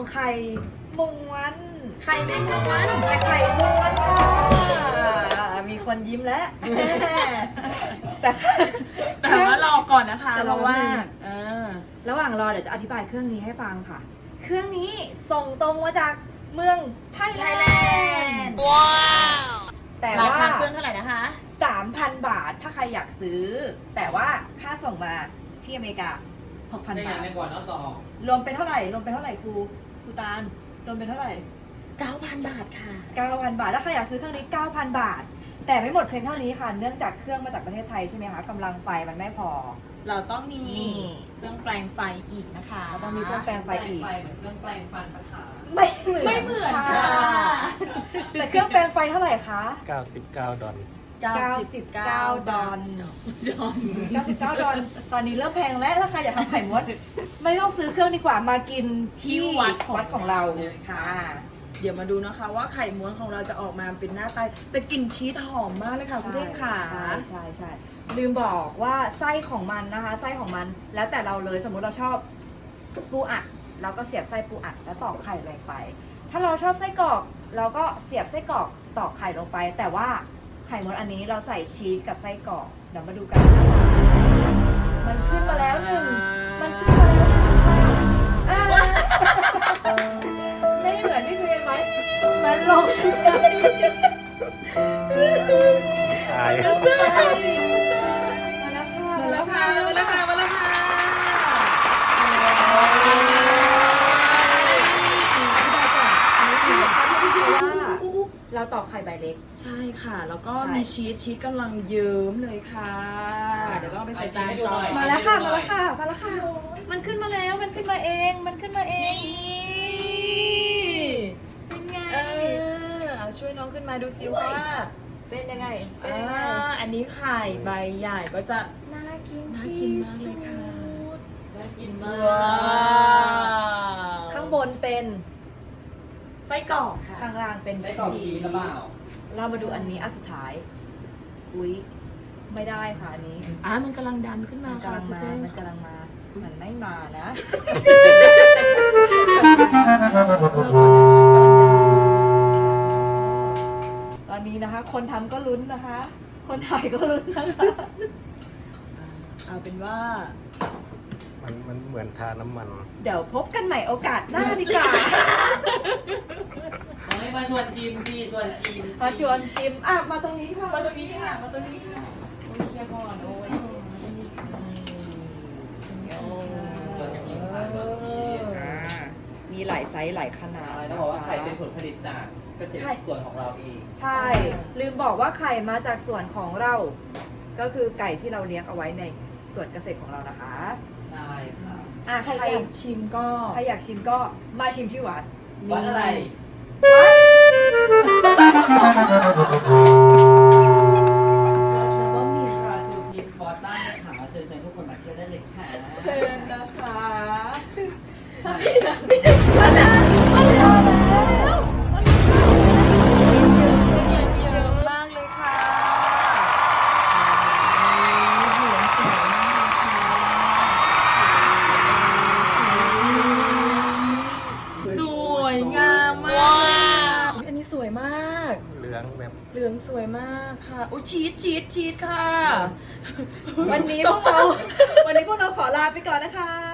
ไข่ม้วนไข่ไม่ม้วนแต่ไข่ม้วนค่ะมีคนยิ้มแล้ว แต่แต่ว่ารอก่อนนะคะแต่เพรอราะว่าแป๊บนึงเออระหว่างรอเดี๋ยวจะอธิบายเครื่องนี้ให้ฟังค่ะ เครื่องนี้ส่งตรงมาจากเมืองไทยแลนด์ว้าวแต่ราว่าคาเครื่องเท่าไหร่นะคะ 3,000 บาทถ้าใครอยากซื้อ แต่ว่าค่าส่งมาที่อเมริกา 6,000 ได้บาทไม่ก่อนเนาะต่อรวมเป็นเท่าไหร่รวมเป็นเท่าไหร่ครูตาลรวมเป็นเท่าไหร่ 9,000 บาทค่ะ 9,000 บาทถ้าใครอยากซื้อเครื่องนี้ 9,000 บาท แต่ไม่หมดเพียงเท่านี้ค่ะ เนื่องจากเครื่องมาจากประเทศไทยใช่ไหมคะกำลังไฟมันไม่พอเราต้องมีนี่เครื่องแปลงไฟอีกนะคะเราต้องมีเครื่องแปลงไฟอีกเหมือนเครื่องแปลงฟันปะคะไม่เหมือนไม่เหมือนค่ะแต่เครื่องแปลงไฟเท่าไหร่คะ 99 ดอล 99 ดอลดอน 99 ดอลตอนนี้เริ่มแพงแล้วถ้าใครอยากทำไข่ม้วนไม่ต้องซื้อเครื่องดีกว่ามากินที่วัดของเราค่ะเดี๋ยวมาดูนะคะว่าไข่ม้วนของเราจะออกมาเป็นหน้าตาแต่กลิ่นชีสหอมมากเลยค่ะคุณเท่งค่ะใช่ลืมบอกว่าไส้ของมันนะคะ ไส้ของมันแล้วแต่เราเลยสมมุติเราชอบปูอัดเราก็เสียบไส้ปูอัดแล้วตอกไข่ลงไป ถ้าเราชอบไส้กรอกเราก็เสียบไส้กรอกตอกไข่ลงไป แต่ว่าไข่ม้วนอันนี้เราใส่ชีสกับไส้กรอกเดี๋ยวมาดูกันนะคะมันขึ้นมาแล้วหนึ่งมันขึ้นมาแล้วหนึ่งค่ะอ่าไม่เหมือนที่คุยกันไหมมันลงอายมาแล้วค่ะมาแล้วค่ะมาแล้วค่ะเราตอกไข่ใบเล็กใช่ค่ะ แล้วก็ใช่มีชีสกำลังเยิ้มเลยค่ะ เดี๋ยวต้องเอาไปใส่จานก่อนมาแล้วค่ะ มาแล้วค่ะ มาแล้วค่ะ มันขึ้นมาแล้ว มันขึ้นมาเอง มันขึ้นมาเอง เป็นไงเอาช่วยน้องขึ้นมาดูซิว่าเป็นยังไง เป็นอ่ายังไงอันนี้ไข่ใบใหญ่ก็จะน่ากินน่ากิที่นมากเลยค่ะน่ากินมาว้าก วข้างบนเป็นไส้กรอกค่ะข้างล่างเป็นได้กรอกชีสหรือเปล่าเรามาดูอันนี้อันสุดท้าย อุ๊ย ไม่ได้ค่ะอันนี้มันกำลังดันขึ้นมามันค่ะกำลังคุณมาเป้งมันกำลังมา มันไม่มานะ ตอนนี้นะคะ คนทำก็ลุ้นนะคะ คนถ่ายก็ลุ้นนะคะเอาเป็นว่ามันเหมือนทาน้ำมันเดี๋ยวพบกันใหม่โอกาสหน้าดีกว่าไม่มาชวนชิมสิชวนชิมมาชวนชิม อ่ะ มาตรงนี้ค่ะมาตรงนี้ค่ะ มาตรงนี้ค่ะโอ้ยเคลียร์ก่อนโอ้ยชวนชิมค่ะชวนชิมมีหลายไซส์หลายขนาดอะไรต้องบอกว่าไข่เป็นผลผลิตจากเกษตรส่วนของเราเองใช่ ลืมบอกว่าไข่มาจากส่วนของเรา ก็คือไก่ที่เราเลี้ยงเอาไว้ในส่วนเกษตรของเรานะคะใช่ค่ะอ่ะใครอยากชิมก็ใครอยากชิมก็มาชิมที่วัดวัดอะไรวัดแล้วก็มีคาจูพีสปอร์ตันค่ะเชิญทุกคนมาเที่ยวได้เลยค่ะเชิญนะคะมาแล้วมาแล้วชีสเยอะมากเลยค่ะเหลืองสวยมากสวยงามมากอันนี้สวยมากเหลืองแบบเหลืองสวยมากค่ะ อุ้ยชีสค่ะวันนี้พวกเราขอลาไปก่อนนะคะ